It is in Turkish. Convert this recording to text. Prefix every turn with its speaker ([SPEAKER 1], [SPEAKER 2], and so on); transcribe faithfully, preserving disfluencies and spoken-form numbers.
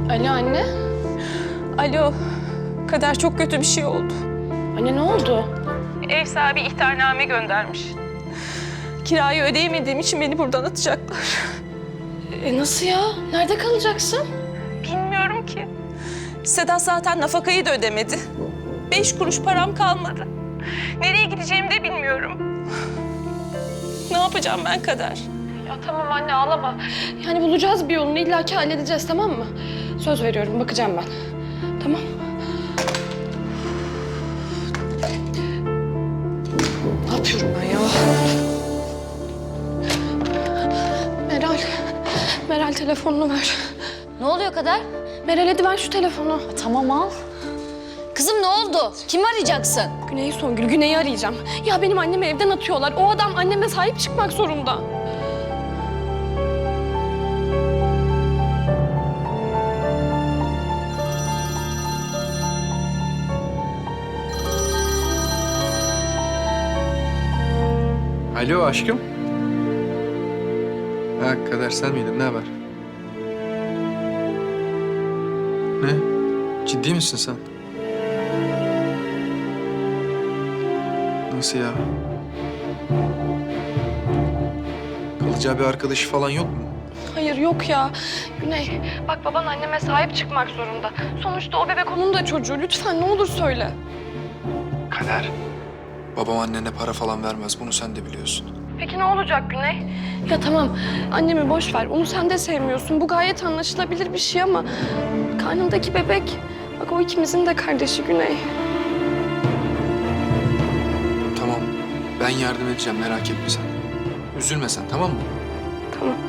[SPEAKER 1] Alo anne.
[SPEAKER 2] Alo, Kader çok kötü bir şey oldu.
[SPEAKER 1] Anne ne oldu?
[SPEAKER 2] Ev sahibi ihtarname göndermiş. Kirayı ödeyemediğim için beni buradan atacaklar.
[SPEAKER 1] E nasıl ya? Nerede kalacaksın?
[SPEAKER 2] Bilmiyorum ki. Sedat zaten nafakayı da ödemedi. Beş kuruş param kalmadı. Nereye gideceğimi de bilmiyorum. Ne yapacağım ben Kader?
[SPEAKER 1] Ya tamam anne ağlama. Yani bulacağız bir yolunu illa ki halledeceğiz tamam mı? Söz veriyorum bakacağım ben. Tamam. Ne yapıyorum ben ya? Meral. Meral telefonunu ver.
[SPEAKER 3] Ne oluyor Kader?
[SPEAKER 1] Meral hadi ver şu telefonu.
[SPEAKER 3] Tamam al. Kızım ne oldu? Kimi arayacaksın?
[SPEAKER 1] Güney'i Songül, Güney'i arayacağım. Ya benim annemi evden atıyorlar. O adam anneme sahip çıkmak zorunda.
[SPEAKER 4] Alo aşkım. Ha Kader sen miydin? Ne haber? Ne? Ciddi misin sen? Nasıl ya? Kalacağı bir arkadaşı falan yok mu?
[SPEAKER 1] Hayır yok ya. Güney bak baban anneme sahip çıkmak zorunda. Sonuçta o bebek onun da çocuğu. Lütfen ne olur söyle.
[SPEAKER 4] Kader. Babam annene para falan vermez. Bunu sen de biliyorsun.
[SPEAKER 1] Peki ne olacak Güney? Ya tamam annemi boş ver. Onu sen de sevmiyorsun. Bu gayet anlaşılabilir bir şey ama karnındaki bebek bak o ikimizin de kardeşi Güney.
[SPEAKER 4] Tamam. Ben yardım edeceğim. Merak etme sen. Üzülme sen tamam mı?
[SPEAKER 1] Tamam.